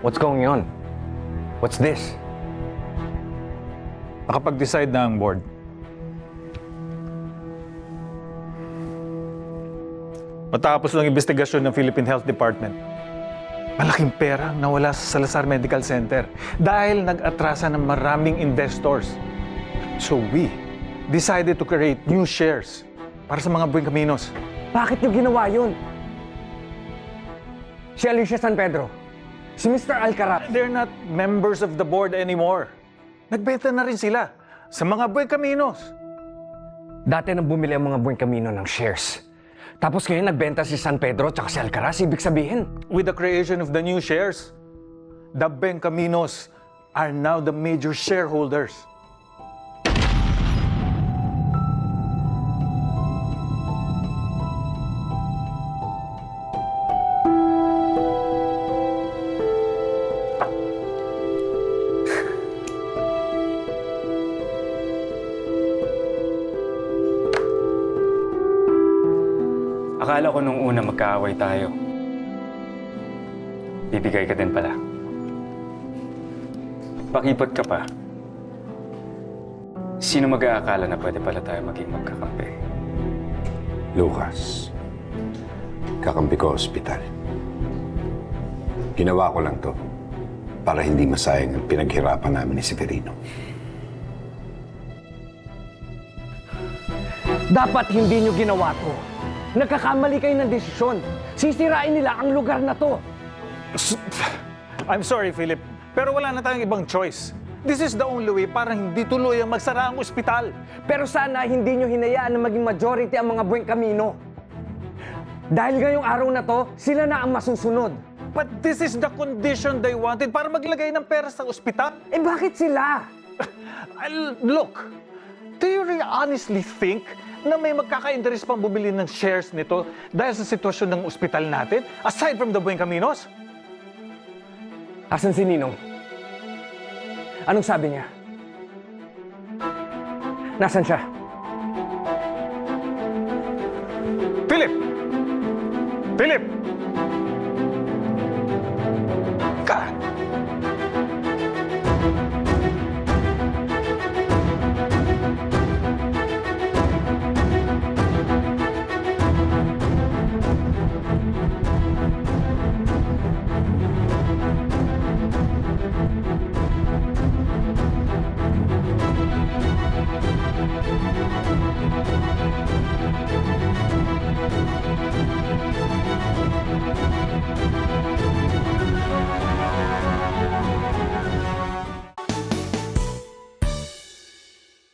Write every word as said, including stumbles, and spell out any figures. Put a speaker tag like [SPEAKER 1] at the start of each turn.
[SPEAKER 1] What's going on? What's this?
[SPEAKER 2] Nakapag-decide na ang board. Matapos ng investigasyon ng Philippine Health Department, malaking pera ang nawala sa Salazar Medical Center dahil nag-atrasa ng maraming investors. So we decided to create new shares para sa mga Buen Caminos.
[SPEAKER 1] Bakit niyo ginawa yun? Si Alicia San Pedro, si Mister Alcaraz.
[SPEAKER 2] They're not members of the board anymore. Nagbenta na rin sila sa mga Buen Caminos.
[SPEAKER 1] Dati nang bumili ang mga Buen Camino ng shares. Tapos ngayon nagbenta si San Pedro at si Alcaraz. Ibig sabihin,
[SPEAKER 2] With the creation of the new shares, the Buen Caminos are now the major shareholders.
[SPEAKER 3] Akala ko nung una magkaaway tayo. Bibigay ka din pala. Pakipot ka pa. Sino mag-aakala na pwede pala tayo maging magkakampi?
[SPEAKER 4] Lucas, kakampi ko ospital. Ginawa ko lang to para hindi masayang ang pinaghirapan namin ni Severino.
[SPEAKER 1] dapat hindi niyo ginawa to. Nagkakamali kayo ng desisyon. Sisirain nila ang lugar na to.
[SPEAKER 2] I'm sorry, Philip, pero wala na tayong ibang choice. This is the only way para hindi tuloy ang magsara ang ospital.
[SPEAKER 1] Pero sana hindi niyo hinayaan na maging majority ang mga Buen Camino. Dahil ngayong araw na to, sila na ang masusunod.
[SPEAKER 2] But this is the condition they wanted para maglagay ng pera sa ospital.
[SPEAKER 1] Eh bakit sila?
[SPEAKER 2] I'll- Look, do you really honestly think na may magkaka-interest pang bumili ng shares nito dahil sa sitwasyon ng ospital natin, aside from the Buen Caminos?
[SPEAKER 1] Asan si Ninong? Anong sabi niya? Nasaan siya?
[SPEAKER 2] Philip! Philip! God